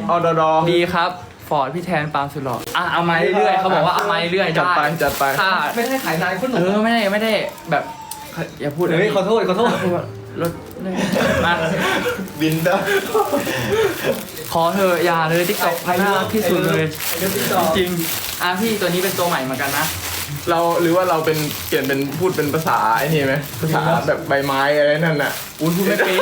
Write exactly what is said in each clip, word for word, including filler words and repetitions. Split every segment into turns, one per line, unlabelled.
อดดอ
ดีครับฟอร์ดพี่แทนปาล์มสุดหล่ออ่ะเอามาเรื่อยๆเขาบอกว่าเอามาเรื่อยๆ
จัดไป
ได้
จัดไป
ถ้า
ไม่ได้ขายนายคนหนุ่
เอ
ม
อไม่ได้ไม่ได้แบบอย่าพูด
เฮ้ยขอโทษขอโทษ
รถมา
บินได้
ขอเธออย่าเลยติ๊กต็อกน่ารักที่สุดเลย
เดี๋ยวติดต่อ
จริงๆอ่ะพี่ตัวนี้เป็นตัวใหม่เหมือนกันนะ
เราหรือว่าเราเป็นเปลี่ยนเป็นพูดเป็นภาษาไอ้นี่ไหมภาษาแบบใบไม้อะไรนั่นน่ะ
อุ้ยพูดไม่เป็น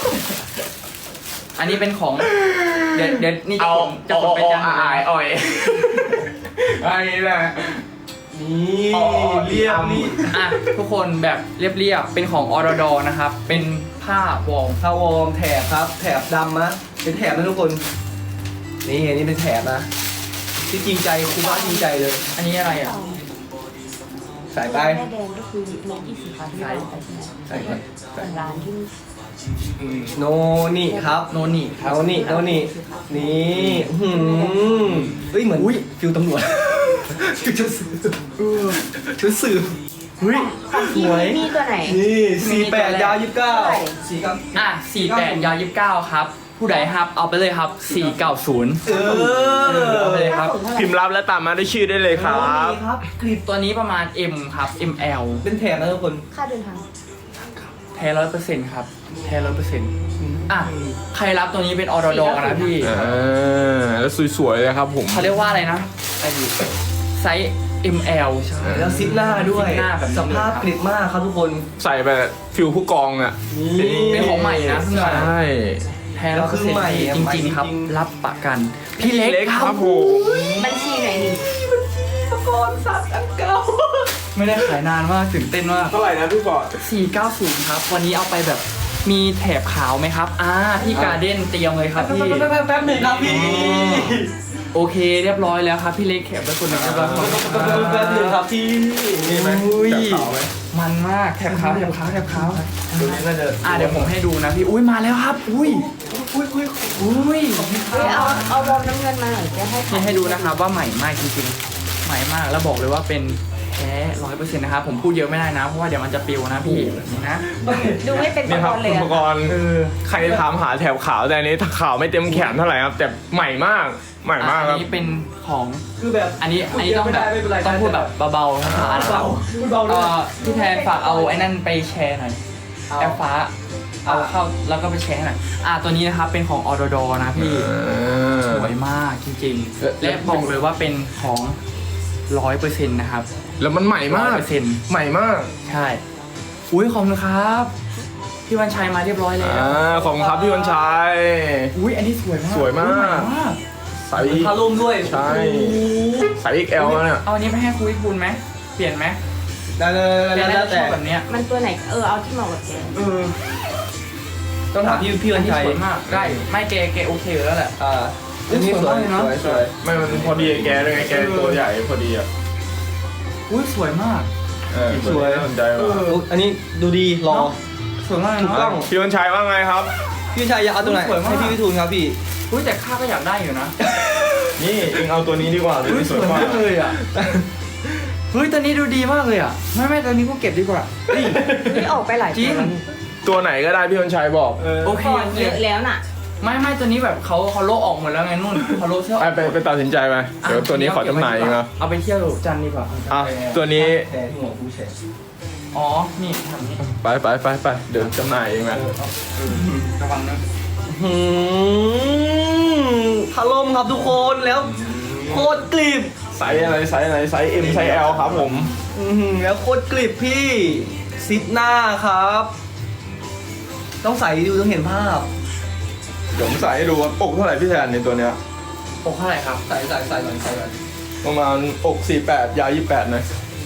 อันนี้เป็นของเดี๋ยวเดี๋ยวนี่จะ
เอา
ผมจะผมไปจันทร์
อายอ่อยอันนี้แหละ
นี่
อ๋อ
เรียบนี่
อ่ะทุกคนแบบเรียบๆเป็นของออร์ดอนะครับเป็นผ้าวอร์ม
ทาวอร์มแถบครับ แถบดำนะเป็นแถบนะทุกคน นี่อันนี้เป็นแถบนะ ที่จริงใจครูบ้าจริงใจเลย
อันนี้อะไรอ่ะ
ใส่ไป
แม่แดงก็คือโลยี่สิบค่ะที่เราไปใช่ไหม
ใส่ไปใส่
ร้านที่
โนนี่ครับ
โนนี่ครับ
โนนี่โนนี่นี่หืมเฮ้ยเหมือนฟิวตำรวจฟิวชุดสืบชุดสืบเฮ้ย
ของพี่มีตัวไหน
นี่สี่แปดยาวยี่สิบเก้า
เท่าไหร่
สี่เก้า
อ่ะสี่แปดยาวยี่สิบเก้าครับผู้ใดครับเอาไปเลยครับสี่เก้าศูนย์
เออ
เอาไปเลยครับ
พิมพ์รับและตามมาด้วยชื่อได้เลยครับ
นี่ครับคลิป
ตัวนี้ประมาณ M ครับ เอ็ม แอล
เป็นแถบนะทุกคน
ค่าเดินทาง
แท้ร้อยเปอร์เซ็นต์ครับแท้ร้อยเปอร์เซ็นต์อ่ะใครรับตัวนี้เป็นออร์ดอนะพี่
อ่าแล้วสวยๆเลยครับผม
เขาเรียกว่าอะไรนะไซส์ เอ็ม แอล
แล้วซิปหน้าด้วย
ซิปหน้าแบบนี้
สภาพกริบมากครับทุกคน
ใส่ไปฟิลผู้กองอ่ะ
เป็นของใหม่นะเพิ่งมา
ใช่
แท้ร้อยเปอร์เซ็นต์จริงๆครับ รับประกัน พี่เล็ก
เล็ก
ค
ค
รั
รั
บบ
ผม
บัญชีไหนนี่
ตะกอนสัตว์อันเก่า
ไม่ได้ขายนานมากตื่นเต้นมาก
เท่าไหร่นะพี่บอด
สี่เก้าศูนย์ครับ วันนี้เอาไปแบบมีแถบขาวไหมครับ อ่าพี่การ์เด้นเตรียมเลยครับพี่
แป๊บแป๊บหนึ่งครับพี่
โอเคเรียบร้อยแล้วครับพี่เล็กแขกเป็นคนหนึ่งเรียบร้อยครับ
แป๊บหนึ่งครับพี่
นี่ไหม
อุ้ย
จับขาวไหม
มันมากแถบขาวแถบขาวแถบขาว
ตัวนี้น่าจะ
อ่าเดี๋ยวผมให้ดูนะพี่อุ้ยมาแล้วครับ อุ้ย
อุ้ยอุ้ย
อุ้ย
เฮ้ยเอาเอาบอลน้ำเงินมาหน่อยจะให้
นี่ให้ดูนะครับว่าใหม่มากจริงๆใหม่มากแล้วบอกเลยว่าเป็นแท้ร้อยเปอร์เซ็นต์นะครับผมพูดเยอะไม่ได้นะเพราะว่าเดี๋ยวมันจะปิวนะพี่นี่นะ
ดูไม่เป็น
นี่
ตะ
ค
ก
รับ
อนเล
คุ
ย
ณ
อะ
ปกรณ์ใครถามหาแถวขาวแต่อันนี้ขาวไม่เต็มแขนเท่าไหร่ครับแต่ใหม่มากใหม่มากค
อั
รับ
นนี้เป็นของ
คือแบบ
อันนี้อันนี้ต้องแบบต้องพูดแบบเบาๆช้าๆนะครับ
พูดเบาด้ว
เอ่
ย
อพี่แทนฝากเอาไอ้นั่นไปแชร์หน่อย
เอา
แอปฟ้าเอาเข้าแล้วก็ไปแชร์หน่อยอ่าตัวนี้นะครับเป็นของออดอนะพี่สวยมากจริงๆและบอกเลยว่าเป็นของร้อยเปอร์เซ็นต์นะครับ
แล้วมันใหม่มาก
ร้อยเปอร์เซ็นต์
ใหม่มาก
ใช่อุ้ยขอบคุณครับพี่วันชัยมาเรียบร้อยแล้ว
อ่าขอบคุณครับพี่วันชัย
อุ้ยอันนี้สวยมาก
สวยมาก
อุ๊ใหมาก
ใส่
พาร่มด้วย
ใช่ใส่ เอ็กซ์ แอล แล้วเนี่ย
เอาอันนี้ไปให้คุยคุณไหมเปลี่ยนไหม
ได้ได้
เปลี่ยน
ได้
ได้ช
แต่
อบแบบเนี้ย
มันตัวไหนเออเอาที่เหมาะกับแก
เออ
ต้องถามพี่พี่วันชัย
อัสวยมากได้ไม่เกเกโอเคอยู่แล้วแหละ
อ่าอันนี้สวย
สวยมาก
ส
เลย
วย
นะ
สวย
ไม่มันพอดีแกด้วยไงแกตัวใหญ่พอดีอ่ะ
อุ้ยสวยมาก
เออสวยน่าสนใจว่ะ
อุ๊ยอันนี้ดูดีรอ
สวยมากเลย
ถูกต้
เนาะ
อง
พี่วันชัยว่าไงครับ
พี่วันชัยอยากเอาตรงไหน
สวยมาก
ให้พี่วิทูลครับพี่
อุ้ยแต่ข้าก็อยากได้อยู่นะ
นี่เองเอาตัวนี้ดีกว่าตัว
อุ้ย
นี้
ส
ส
ว
วย ย
มาม
าก ก
เลยอ่ะเฮ้ยตัวนี้ดูดีมากเลยอ่ะไม่ไม่ตัวนี้กูเก็บดีกว่า
นี่ออกไปหลาย
จริ
ตัว
ง
แล้ว
ตัวไหนก็ได้พี่วันชัยบอก
โอเค
ก่อนเยอะแล้วน่ะ
ไม่ไม่ตัวนี้แบบเขาเขาโลกออกหมดแล้วไงนุ่นเขาโลกเสื้ออ
ไป
อก
ไปไปตัดสินใจไปเดี๋ยวตัวนี้ขอจำหน่ายเองนะ
เอาไปเที่ยวจันทร์ดีกว่า
อ่ะตัวนี้
แชร์ที่หัวผู้แชร์
อ๋อนี่ทำนี่
ไปไปไปไปเดี๋ยวจำหน่ายเองนะ
ระวังนะ
หืมพาร่มครับทุกคนแล้วโคตรกริบ
ไซส์อะไรไซส์อะไรไซส์ M ไซส์ L ครับผม
อื้อหือแล้วโคตรกริบพี่ซิปหน้าครับ ต้องใส่ดูต้องเห็นภาพ
เดี๋ยวผมใส่ให้ดูว่าอกเท่าไหร่พี่แทนในตัวเนี้ย
โอ้เท่าไหร่ครับ
ใส่ใส่ใส่ก่อนใส่ก่อน
ประมาณอกสี่แปดยาวยี่แปดนะ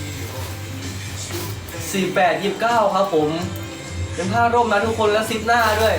สี่แปดยี่สิบเก้าครับผม เป็นผ้าร่มนะทุกคนแล้วซิปหน้าด้วย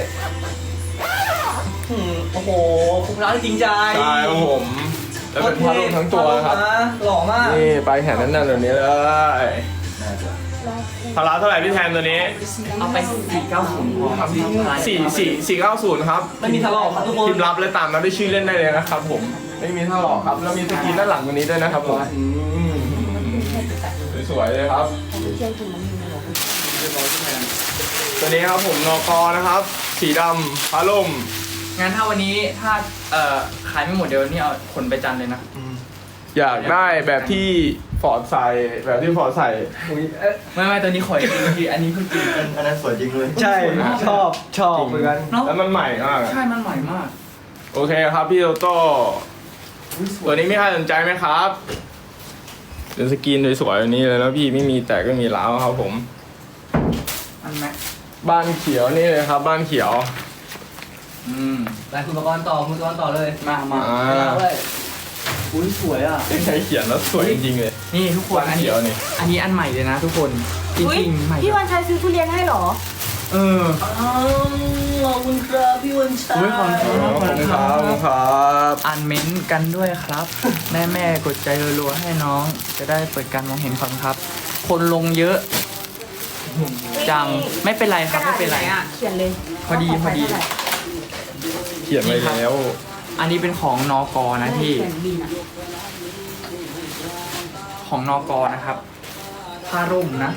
หืมโอ้โหคุณร้านจริงใจ
ใช่ครับผมแล้วเป็นผ้าร่มทั้งตัวครับ
ผ้านะหล่อมาก
นี่ปลายแขนนั่นๆแบบนี้เลยพาราเท่าไหร่พี่แทนตัวนี้
เอาไปสี่เก้าศูนย์พอครับพี่
สี่สี่สี่เก้าศูนย์ครับ
ไม่มีทะเลาะครับทุกคน
พิมพ์รับและตามมาด้วยชื่อเล่นได้เลยนะครับผมไม่มีท่าหลอกครับแล้วมีสกรีนด้านหลังตัวนี้ด้วยนะครับผม
อืม
สวยๆเลยครับ
เที่ยงคืนมันมีอะไร
ตัวนี้ครับผมนกนะครับ สีดำผ้าร่ม
งั้นถ้าวันนี้ถ้าเอ่อขายไม่หมดเดี๋ยวนี่เอาขนไปจันทร์เลยนะ
อยากได้แบบที่ฟอร์ดใส่แบบที่ฟอร์ดใส่
อุ๊ยเอ๊ะ
ไม่ไม่ตัวนี้ขออีกทีอันนี้เพิ่งกินกัน
อันนั้นสวยจริงเลย
ใช่ชอบชอบเหมือนกัน
เนาะ
แล้วมันใหม่มากอะ
ใช่มันใหม่มาก
โอเคครับพี่โตโต้ตัวนี้มีใครสนใจไหมครับเป็นสกรีนสวยๆแบบนี้เลยนะพี่ไม่มีแตกไม่มีร้าวครับผม
อันแม็ก
บ้านเขียวนี่เลยครับบ้านเขียว
อืม
ลายคุณประกรณ์ต่อคุณประกรณ์ต่อเลย
มามา
อ่า
เอาเลยอุ้ยสวยอ่ะ
ใช้เขียนแล้วสวยจริงๆเลย
นี่ทุกคน
บ้าน
อันนี้
เขียวนี่
อันนี้อันใหม่เลยนะ ทุกคนจ
อุ๊ย
ริงๆใหม่
พี่วันชัยซื้อทุเรียนให้เหรอ
เออ
อ้าวขอบคุณครับพี่วันชัย
อุ๊ยขอบคุณ
ขอบคุณครับขอบคุณครับ
อ่านเม้นต์กันด้วยครับ แม่แม่ๆกดใจรัวๆให้น้อง จะได้เปิดการมองเห็นความครับ คนลงเยอะ จังไม่เป็นไรครับไม่เป็นไร
กะดาษอยู่หอ่ะ เขียนเลย
พอดีพอดี
เขียนไว้แล้ว
อันนี้เป็นของนอกอนะพี่
เขียนบินอ่ะ
ของนอกอนะครับผ้าร่มนะ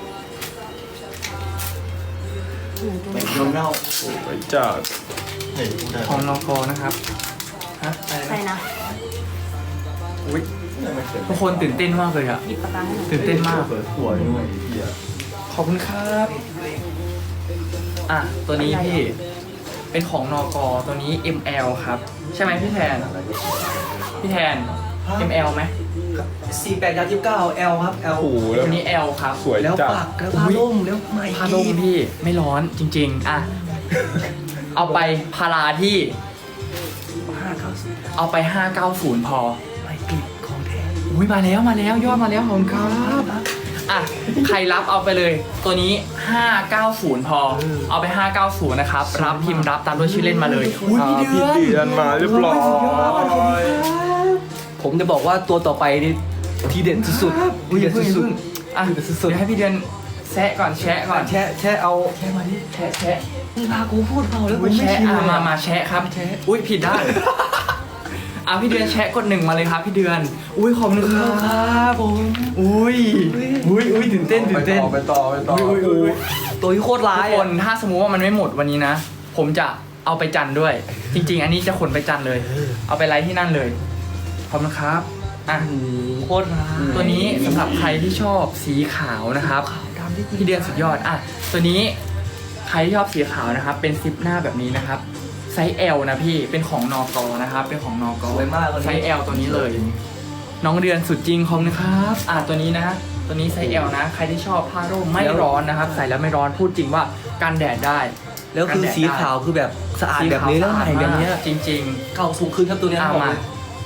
แมคโดนัลด์
สวยจัด
นี่พูดได้
ของนอกอนะครับฮะอะไร
ใช่
นะ
นะ
อุ๊ย
ไม่เขียน
ทุกคนตื่นเต้นมากเลยอะ
หยิบปากกาให้หน่อย
ตื่นเต้นมาก
สวยสวยด้วยไอ้เหี้ย
ขอบคุณครับ อ่ะ ตัวนี้พี่ เป็นของนอกอตัวนี้ เอ็ม แอล ครับ ใช่ไหมพี่แทน พี่แทน เอ็ม แอล ไหม
สี่แปดยาวยี่สิบเก้า L ครับ L
โอ้โหแล้ว
ตัวนี้ L ครับ
สวย
แล้ว
จัด
ปากแล้วผ้าร่มแล้วไม่
พาลมพี่ไม่ร้อนจริง ๆ อ่ะ เอาไปพาราที่
ห้าเก้าสิบ
เอาไป ห้าเก้าศูนย์ พอ
ไม่ปิดของแท้
อุ้ยมาแล้วมาแล้วยอดมาแล้วขอบคุณครับอ่ะใครรับเอาไปเลย ตัวนี้ ห้าเก้าศูนย์ พอ เอาไป ห้าเก้าศูนย์ นะครับ รับพิมพ์รับตามด้วยชื่อเล่นมาเลยอุ้ย
อ่า
พี่
พี่
เดือน
เดือนมาเรียบร้อย
ผมจะบอกว่าตัวต่อไปนี่ทีเด็ดสุดๆ
อุ้ย
ทีเด็ด
เพิ่ง
สุ
เพิ่
ด
งอ่ะเดี๋ยวให้พี่เดือนแซะก่อนแชะก่อน
ๆแช่แช่เอา
แชะมาดิแชะแชะ
มึงพากูพูดเปล่าแล้วกู
อุ้ย
ไม่
แชะ
ชิน
อ่ะ
เลย
มามาแชะครับอุ้ยผิดได้านอ่ะพี่เดือนแชะกดหนึ่งมาเลยครับพี่เดือน อุ้ยขอบคุณครับ
ผม
อุ้ยอุ้ยอุ้ยตื่นเต้นตื่นเต้น
ไปต่อไปต่อ
อุ้ยอุ้ยอุ้ย
ตัวที่โคตรร้า
ทุ
ย
กค
อะ
นถ้าสมมุติว่ามันไม่หมดวันนี้นะ ผมจะเอาไปจันทร์ด้วย จริง ๆ อันนี้จะขนไปจันทร์เลย เอาไปไลฟ์ที่นั่นเลยขอบคุณครับอ่ะ
อืมโคตรร้าย
ตัวนี้สำหรับใครที่ชอบสีขาวนะครับ
ดำที่
พี่เดือนสุดยอดอ่ะตัวนี้ใครที่ชอบสีขาวนะครับ เป็นซิปหน้าแบบนี้นะครับไซส์ L นะพี่เป็นของนอกอนะครับ เป็นของนอกอ
สวยมากตัวนี้
ไซส์ L ตัวนี้เลย น้องเดือนสุดจริงขอบคุณครับอ่ะตัวนี้นะตัวนี้ไซส์ L นะใครที่ชอบผ้าร่มไม่ร้อนนะครับ ใส่แล้วไม่ร้อนพูดจริงว่ากันแดดได้
แล้วคือสีขาวคือแบบสะอาดแบบนี้แล้วใหม่แบบเนี้ย
จริง
เก่าสูงขึ้นครับตัวเนี้ย
ๆเอา
บอก
มา
เลย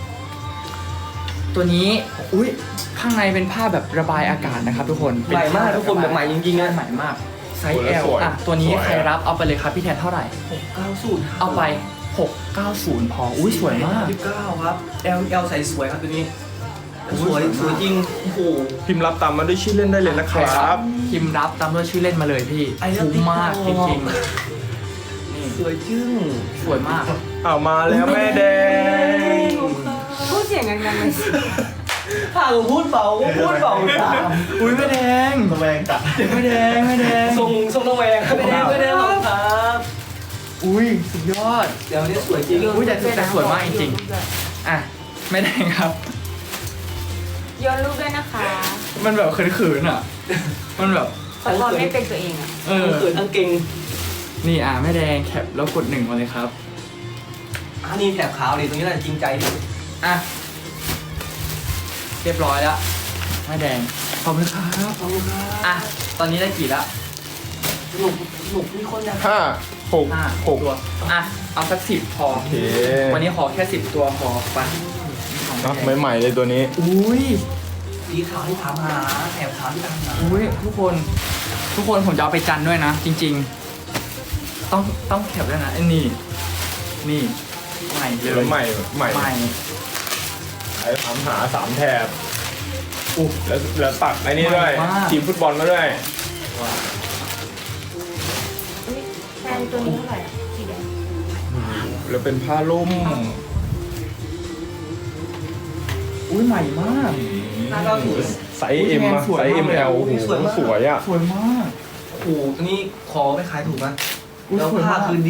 ตัวนี้อุ้ยข้างในเป็นผ้าแบบระบายอากาศนะครับ ทุกคนเป็น
ใหม่มาก
ผ้
ทุกคนแบบใหม่จริงๆนะ
ใหม่มากไซส์ L
สวย
อ่ะตัวนี้
สวย
ใครรับเอาไปเลยครับพี่แทนเท่าไหร่
หกเก้าสูตร
เอาไปหกเก้าศูนย์พออุ้ยสวยมาก
ยี่สิบเก้าครับ L L ใส่สวยครับตัวนี้ สวยสวยจริงโอ้โห
พิมพ์รับตามมาด้วยชื่อเล่นได้เลยนะครับ
พิมพ์รับตามด้วยชื่อเล่นมาเลยพี่
ไอ้เรื่อง
คุ้มมากจ
ติ๊กต๊อก
ริงๆนี่
สวยจึ้ง
สวยมาก
เอามาแล้วแม่แดง
พูดเสียงดังๆเลยสิ
ถ้ากูพูดเบาก็พูดเบาตาม
อุ้ยไม่แดง
ทำไมกัด
ไม่แดงไม่แดง
ทรงทรงระแวงไม่ได้ไม่ได้หรอกครับ
อุ้ยสุดยอด
เดี๋ยวนี้สวยจริง
อุ้ยแต่แต่สวยมากจริงๆอ่ะไม่แดงครับ
โยนรูปด้วยนะคะ
มันแบบเขินๆอ่ะ มันแบบ
ขอโทษไม่เป็นตัวเองอ่ะ
เออ
เขินทั้งเก่ง
นี่อ่ะไม่แดงแคปแล้วกดหนึ่งมาเลยครับ
อันนี้แถบขาวดิตรงนี้แหละจริงใจดิ
อ่ะเรียบร้อยแล้วไม่แดงขอบคุณครับ
ขอบคุณครับ
อ่ะตอนนี้ได้กี่แล้ว
หนุกหนุกมีคนอยาก
ห้าหก
ห้า
หก
ตัวอ่ะเอาสักสิบพอ
โอเค
วันนี้ขอแค่สิบตัวพอไป
เนอะใหม่ๆเลยตัวนี้
อุ้ย
สีขาวที่ถามหาแถบขาวที่ถามหา
อุ้ยทุกคนทุกคนผมจะเอาไปจันทร์ด้วยนะ จริง ๆ ต้องต้องแคปด้วยนะไอ้นี่นี่ใหม่เล
เดี๋ยวย ใหม่ใหม่
ใหม่
ไอ้ถามหาสามแถบอู้แล้วแล้วตัดไอ้นี่ด้วย
ใหม่มาก
ทีมฟุตบอลมาด้วย
อุ๊ยแฟนตัวนี้เท่าไหร่อ่ะสีแดง
แล้วเป็นผ้าล่ม
อุ้ยใหม่มาก
ห้าเก้าศูนย์
ไซส์เอ็มอะ
สวย
ไซส์
มากเลย
เอ็มแอล
อุ้ยสวยมาก
สวยอะ
สวยมาก
โอ้โหตัวนี้ขอไม่ขายถูกนะ
อุ๊ย
แล้ว
สวย
ผ้าม
าก
คือดี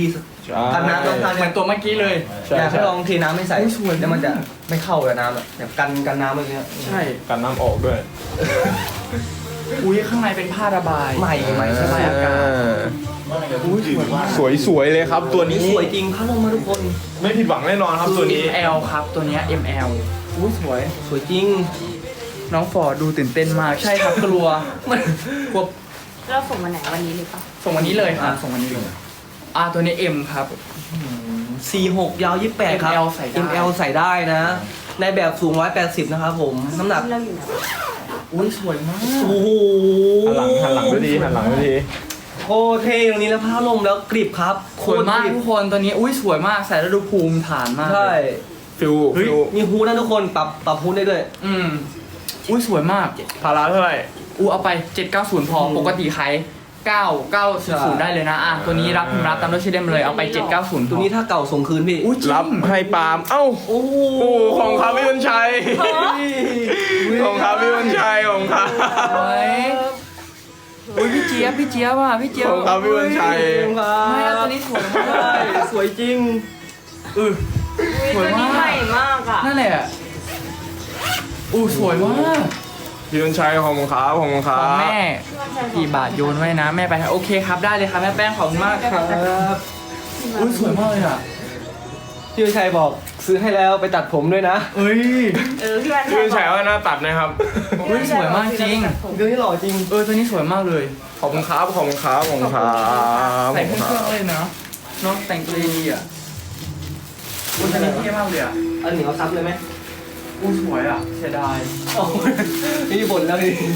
ใช่
กันน้ำต้องทาน
เหมือนตัวเมื่อกี้เลย
ใช่
อยากให้
ใช่
ลองเทน้ำไม่ใส่
อุ๊ยสวย
แล้วมันจะไม่เข้ากับน้ำอ่ะแบบกันกันน้ำอะไรเงี้ย
ใช่
กันน้ำออกด้วย
อุ้ยข้างในเป็นผ้าระบาย
ใหม่ใหม่
ระบายอากาศ
อุ้ยสวยมาก
สวยสวยๆเลยครับตัวนี้
สวยจริงพัดลมมาทุกคน
ไม่ผิดหวังแน่นอนครับตัวนี้
เอ็ม แอล ครับตัวเนี้ย เอ็ม แอล อุ้ยสวย
สวยจริง
น้องฟอร์ดดูตื่นเต้นมาก ใช่ครับกลัว
มัน
กลัว
เราส่งวันไหนวันนี้หรือเปล่า
ส่งวันนี้เลยครับส่งวันนี้เลยอ่าตัวนี้ M ครับ
สี่หกยาวยี่สิบแปดครับ
เอ็ม แอล ใส่ได้
เอ็ม แอล ใส่ได้นะ ในแบบสูงหนึ่งร้อยแปดสิบนะครับผม น้ำหนัก
เราอยู่ไหน
อุ้ยสวยมาก
โอ้โห
หันหลังหันหลังด้วยดีหันหลังด้วยดี
โคตรเท่ตรงนี้แล้วผ้าลมแล้วกริบครับโค
สวย
ตร
มาก
กริบ
ทุกคนตัวนี้อุ้ยสวยมากใส่แล้วดูภูมิฐานมาก
ใช่
ฟิว
เฮ้ย
ฟิว
มีฮูดนะทุกคนปรับปรับฮูดได้ด้วย
อืมอุ้ยสวยมาก
พาราเท่าไหร่
อู้เอาไปเจ็ดเก้าศูนย์พอ
อืม
ปกติขายเก้าเก้าศูนย์ได้เลยนะอ่ะตัวนี้รับพิมพ์รับตามด้วยชื่อเล่มเลยเอาไปเจ็ดเก้าศูนย์
ตัวนี้ถ้าเก่าส่งคืนพี่
อุ้ยจง
รับให้ปาล์มเอ้า
โอ้โห
โอ้ของครับพี่วันชัยของครับพี่วันชัยของครับ
สวยอุ้ยพี่เจี๊ยบพี่เจี๊ยบว่ะพี่เจี๊ยบ
ของครับพี่วันชัย
ไม่อะตัวนี้สวยมาก
ใช่สวยจริง
เออ
อุ้ยตัวนี้ใหม่มากอ่ะ
นั่นแหละอู้สวยมาก
พี่วันชัยของครับของค
ข
รั
อง
บ
แม่กี่บาทโยนไว้นะแม่ไปโอเคครับได้เลยครับแม่แป้งขอบคุณมากครับ
ครับ
อุ้ยสวยมากเลยอ่ะ
พี่วิชัยบอกซื้อให้แล้วไปตัดผมด้วยนะ
เอ้ย
เออพี่วัน
พี่วันชัยว่าหน้าตัดนะครับ
อุ้ยสวยมากจริง
ตัวนี้หล่อจริง
เออตัวนี้สวยมากเลย
ขอบคุณครับขอบคุณครับขอบคุณครับ
ใส่เครื่องๆเลยเนาะเนาะแต่งตัวดีๆอ่ะอุ้ยตัวนี้เท่มากเลยอ่ะ
อันหนึ่งเอาซับเลยไหม
อุ้ยสวยอ่ะเสียดาย
โอ้ยนี่บ่นแล้วดิ